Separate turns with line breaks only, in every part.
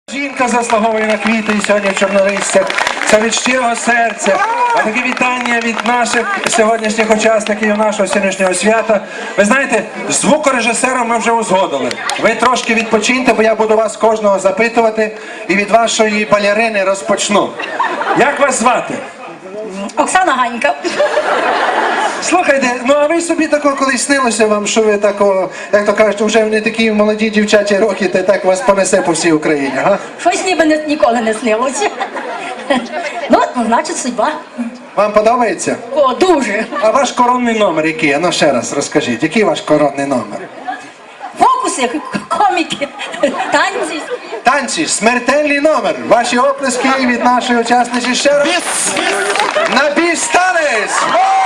Жінка заслуговує на квіти і сьогодні в Чорнолистях. Це від щирого серця. А таке вітання від наших сьогоднішніх учасників нашого сьогоднішнього свята. Ви знаєте, з звукорежисером ми вже узгодили. Ви трошки відпочиньте, бо я буду вас кожного запитувати. І від вашої балерини розпочну. Як вас звати?
Оксана Ганька.
Слухайте, ну а ви собі такого колись снилося вам, що ви такого, як то кажуть, вже не такі молоді дівчачі роки, та так вас понесе по всій Україні, га?
Щось ніби ніколи не снилося. Ну, значить, судьба.
Вам подобається?
О, дуже.
А ваш коронний номер який? Ну ще раз розкажіть, який ваш коронний номер?
Фокуси, коміки, танці.
Танці, смертельний номер. Ваші оплески від нашої учасниці ще раз. На біс танець!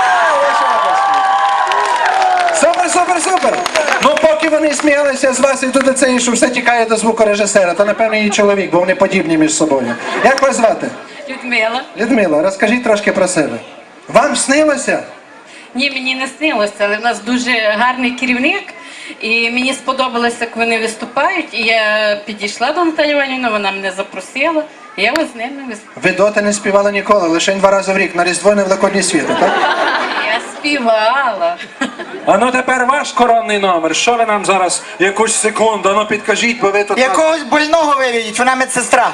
Супер, супер, супер! Ну поки вони сміялися з вас і тут це, що все тікає до звукорежисера, то напевно її чоловік, бо вони подібні між собою. Як вас звати?
Людмила.
Людмила, розкажіть трошки про себе. Вам снилося?
Ні, мені не снилося, але в нас дуже гарний керівник. І мені сподобалося, як вони виступають. І я підійшла до Наталі Іванівни, вона мене запросила. І я ось з ними виступала.
Ви доти не співали ніколи, лише 2 рази в рік, на Різдво і на Великодні свято, так?
Я співала.
А ну тепер ваш коронний номер. Що ви нам зараз якусь секунду, ну підкажіть, бо ви тут...
Якогось больного виведіть, вона медсестра.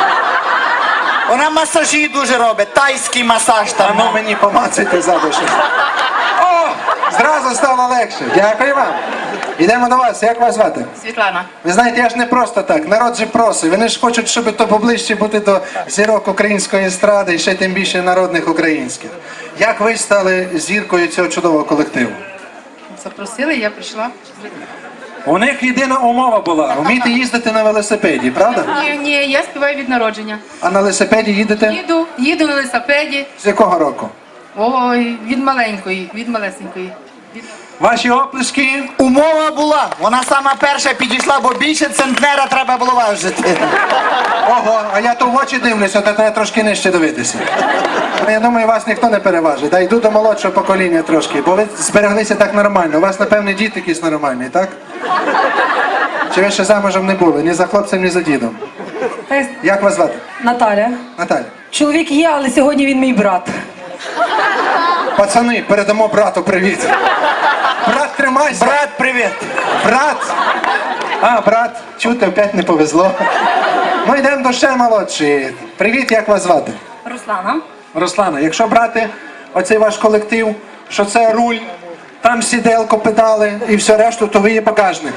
Вона масажі дуже робить, тайський масаж
А
там.
ну мені помацайте задушу. О, зразу стало легше. Дякую вам. Йдемо до вас. Як вас звати?
Світлана.
Ви знаєте, я ж не просто так. Народ же просить. Вони ж хочуть, щоб то поближче бути до зірок української естради і ще тим більше народних українських. Як ви стали зіркою цього чудового колективу?
Запросили, я прийшла.
У них єдина умова була. Вміти їздити на велосипеді, правда?
Ні, я співаю від народження.
А на велосипеді їдете?
Їду на велосипеді.
З якого року?
Ой, від маленької, від малесенької.
Ваші оплески.
Умова була, вона сама перша підійшла, бо більше центнера треба було важити.
Ого, а я то в очі дивлюся, то треба трошки нижче дивитися. Я думаю, вас ніхто не переважить. Та йду до молодшого покоління трошки, бо ви збереглися так нормально. У вас, напевне, дід якийсь нормальний, так? Чи ви ще замужем не були? Ні за хлопцем, ні за дідом. Як вас звати?
Наталя.
Наталя.
Чоловік є, але сьогодні він мій брат.
Пацани, передамо брату привіт. Брат, тримайся.
Брат, привіт.
Брат! А, брат, чути, опять не повезло. Ну, йдемо до ще молодшої. Привіт, як вас звати?
Руслана.
Руслана, якщо брати оцей ваш колектив, що це руль, там сіделко, педали і все решту, то ви є багажник.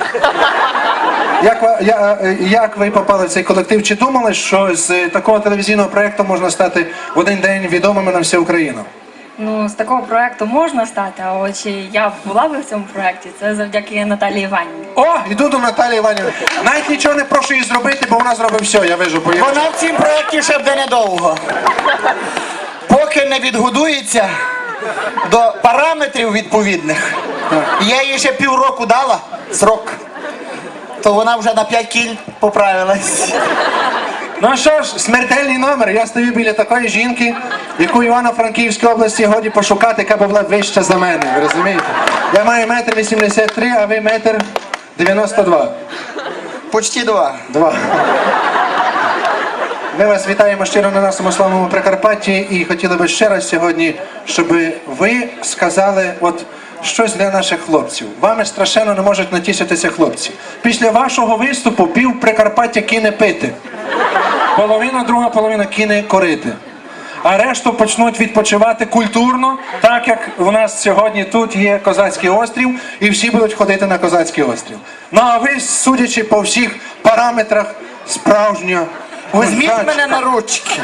Як ви попали в цей колектив? Чи думали, що з такого телевізійного проєкту можна стати в один день відомими на всю Україну?
Ну, з такого проєкту можна стати, а от чи я була би в цьому проєкті, це завдяки Наталії Іванівні.
О, йду до Наталії Іванівни. Навіть нічого не прошу її зробити, бо вона зробить все, я вижу.
Вона в цім проєкті ще буде недовго. Поки не відгодується до параметрів відповідних. Я їй ще півроку дала срок. То вона вже на 5 кіль поправилась.
Ну що ж, смертельний номер. Я стою біля такої жінки, яку в Івано-Франківській області годі пошукати, яка була вища за мене, ви розумієте? Я маю 1,83 м, а ви 1,92 м.
Почти 2.
Ми вас вітаємо щиро на нашому славному Прикарпатті і хотіли би ще раз сьогодні, щоб ви сказали от щось для наших хлопців. Вами страшенно не можуть натішитися хлопці. Після вашого виступу пів Прикарпаття кине пити. Друга половина кине корити. А решту почнуть відпочивати культурно, так як у нас сьогодні тут є Козацький острів, і всі будуть ходити на Козацький острів. Ну а ви, судячи по всіх параметрах, справжньо.
Візьміть мене на ручки.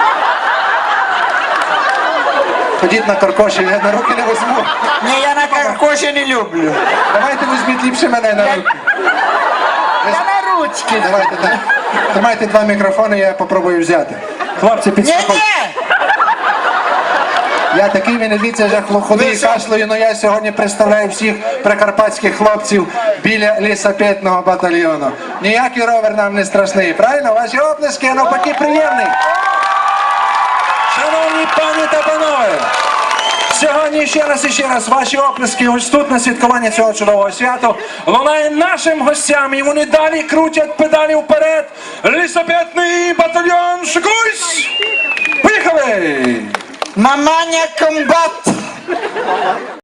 Ходіть на каркоші, я на руки не візьму.
Ні, я на каркоші не люблю.
Давайте візьміть ліпше мене на руки.
Я на ручки.
Давайте так. Тримайте 2 мікрофони, я попробую взяти. Хлопці, підстрахуйте.
Ні-ні!
Я такий, ви не дивіться, вже худий і кашлюю, але я сьогодні представляю всіх прикарпатських хлопців біля лісопетного батальйону. Ніякий ровер нам не страшний, правильно? Ваші оплески, а навпаки приємний. Шановні пані та панове, Сьогодні ще раз ваші оплески ось тут на святкування цього чудового свята лунає нашим гостям, і вони далі крутять педалі вперед. Лісопетний батальйон «Шикуйсь». Поїхали!
Маманя комбат!